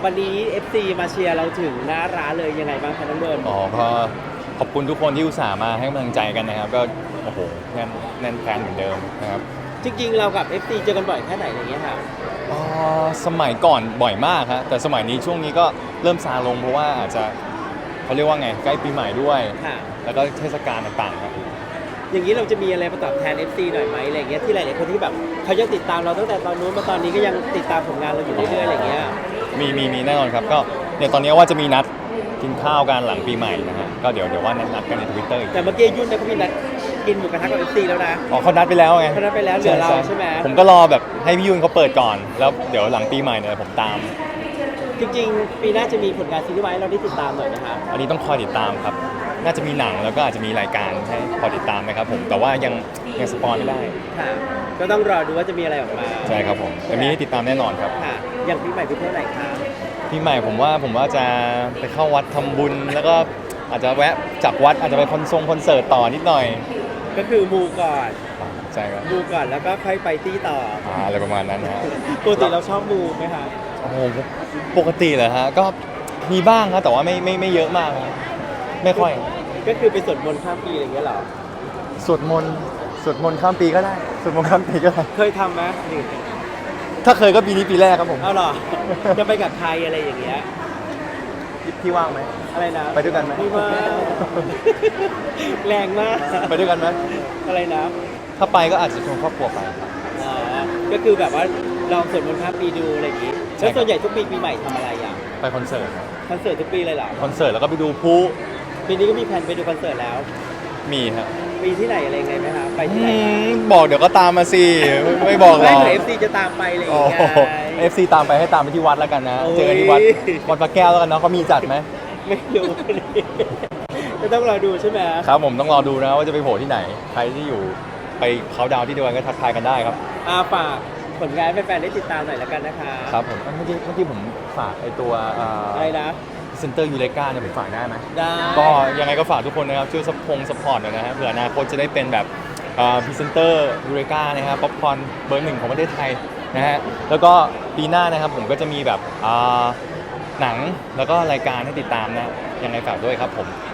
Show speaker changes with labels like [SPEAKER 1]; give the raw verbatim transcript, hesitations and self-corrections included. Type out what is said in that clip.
[SPEAKER 1] วันนี้ เอฟ ซี มาเชียร์เราถึงหน้าร้านเลยยังไงบ้างคะน้องเบิร์น
[SPEAKER 2] อ๋อก็ขอบคุณทุกคนที่อุตส่าห์มาให้กำลังใจกันนะครับก็โอ้โหแน่นแน่นแฟนเหมือนเดิมนะครับ
[SPEAKER 1] จริงๆเรากับ เอฟ ซี เจอกันบ่อยแค่ไหนอะไรเงี้ยค่ะ
[SPEAKER 2] อ๋อสมัยก่อนบ่อยมากฮะแต่สมัยนี้ช่วงนี้ก็เริ่มซาลงเพราะว่าอาจจะเขาเรียกว่าไงใกล้ปีใหม่ด้วยแล้วก็เทศกาลต่างๆครับ
[SPEAKER 1] อย่างนี้เราจะมีอะไรมาตอบแทน เอฟ ซี หน่อยไหมอะไรเงี้ยที่หลายๆคนที่แบบเขายังติดตามเราตั้งแต่ตอนนู้นมาตอนนี้ก็ยังติดตามผลงานเราอยู่เรื่อยๆอะไรเงี้ย
[SPEAKER 2] มีมีมีแน่นอนครับก็เนี่ยตอนนี้ว่าจะมีนัดกินข้าวกันหลังปีใหม่นะฮะก็เดี๋ยวเดี๋ยวว่านัดกันใน ทวิตเตอร์ อีก
[SPEAKER 1] แต่เมื่อกี้ยุ่นเนี่ยเขามีนัดกินหมูกระทะกับ เอฟ ซี แล้วนะ
[SPEAKER 2] อ๋อเขานัดไปแล้วไง
[SPEAKER 1] เขานัดไปแล้วเหลือเราใช่ไหม
[SPEAKER 2] ผมก็รอแบบให้พี่ยุ่นเขาเปิดก่อนแล้วเดี๋ยวหลังปีใหม่เนี่ยผมตาม
[SPEAKER 1] จริงๆปีหน้าจะมีผลงานซีรีส์ไว้เราได้ติดตามหน่อยนะคะ
[SPEAKER 2] อันนี้ต้องคอยติดตามครับน่าจะมีหนังแล้วก็อาจจะมีรายการให้คอยติดตามนะครับผมแต่ว่ายังยังสปอยไม่ได้
[SPEAKER 1] ค่ะก็ต้องรอดูว่าจะมีอะไรออกมา
[SPEAKER 2] ใช่ครับผมแต่มีให้ติดตามแน่นอนครับ
[SPEAKER 1] ค่ะอย่างปีใหม่ไปเที่ยวไหนคะ
[SPEAKER 2] ปีใหม่ผมว่าผมว่าจะไปเข้าวัดทำบุญแล้วก็อาจจะแวะจากวัดอาจจะไปคอนเสิร์ตคอนเสิร์ตต่อนิดหน่อย
[SPEAKER 1] ก็คือมูก่อน
[SPEAKER 2] ใช่ครับ
[SPEAKER 1] มูก่อนแล้วก็ค่อยไปตี้ต่อ
[SPEAKER 2] อ่าอะไรประมาณนั้นนะ
[SPEAKER 1] ปกติเราชอบมูไหมคะ
[SPEAKER 2] โอ้โหปกติเหรอฮะก็มีบ้างครับแต่ว่าไม่ไม่ไม่เยอะมากนะไม่ค่อย
[SPEAKER 1] ก็คือไปสวดมนต์ข้ามปีอะไรอย่างเงี้ยเหรอ
[SPEAKER 2] สวดมนต์สวดมนต์ข้ามปีก็ได้สวดมนต์ข้ามปีก็ได้
[SPEAKER 1] เคยทำไหม
[SPEAKER 2] ถ้าเคยก็ปีนี้ปีแรกครับผม
[SPEAKER 1] เอาหรอจะไปกับใครอะไรอย่างเงี้ย
[SPEAKER 2] พี่ว่างไหม
[SPEAKER 1] อะไรนะ
[SPEAKER 2] ไปด้วยกันไหม
[SPEAKER 1] พี่ว่างแรงมาก
[SPEAKER 2] ไปด้วยกันไหม
[SPEAKER 1] อะไรนะ
[SPEAKER 2] ถ้าไปก็อาจจะชวนครอบครัวไป
[SPEAKER 1] อ๋อก็คือแบบว่าลองสวดมนต์ข้ามปีดูอะไรอย่างงี้แล้วส่วนใหญ่ทุกปีปีใหม่ทำอะไรอ่ะ
[SPEAKER 2] ไปคอนเสิร์ต
[SPEAKER 1] คอนเสิร์ตทุกปีเลยเหรอ
[SPEAKER 2] คอนเสิร์ตแล้วก็ไปดูพลุ
[SPEAKER 1] ปีนี้ก็มีแผนไปดูคอนเสิร์ตแล้ว
[SPEAKER 2] มีครับ
[SPEAKER 1] ปีที่ไหนอะไรไงไหมครับไปที่ไหน
[SPEAKER 2] บอกเดี๋ยวก็ตามมาสิไม่บอกหรอก
[SPEAKER 1] ไม่เอฟซีจะตามไปเลยไง
[SPEAKER 2] เอฟซีตามไปให้ตามไปที่วัดแล้วกันนะเจอกันที่วัดวัดพระแก้วแล้วกันเนาะเขามีจัดไหม
[SPEAKER 1] ไม่รู้ก็ต้องรอดูใช่ไหม
[SPEAKER 2] ครับผมต้องรอดูนะว่าจะไปโผล่ที่ไหนใครที่อยู่ไปเขาดาวที่เดียวกันก็ทักทายกันได้ครับ
[SPEAKER 1] อาฝากผลงานแฟนๆได้ติดตามหน่อยแล้วกันนะคะ
[SPEAKER 2] ครับผมเมื่อกี้เมื่อกี้ผมฝากไอตัว
[SPEAKER 1] อะไรนะ
[SPEAKER 2] เซ็นเตอร์ยูเลกาเนี่ยผมฝากได้ไหม
[SPEAKER 1] ได้
[SPEAKER 2] ก็ยังไงก็ฝากทุกคนนะครับช่วยซัพพงซัพพอร์ตหน่อยนะฮะเผื่ออนาคตจะได้เป็นแบบพรีเซนเตอร์ยูเลกานะครับป๊อปคอร์นเบอร์หนึ่งของประเทศไทยนะฮะแล้วก็ปีหน้านะครับผมก็จะมีแบบหนังแล้วก็รายการให้ติดตามนะยังไงฝากด้วยครับผม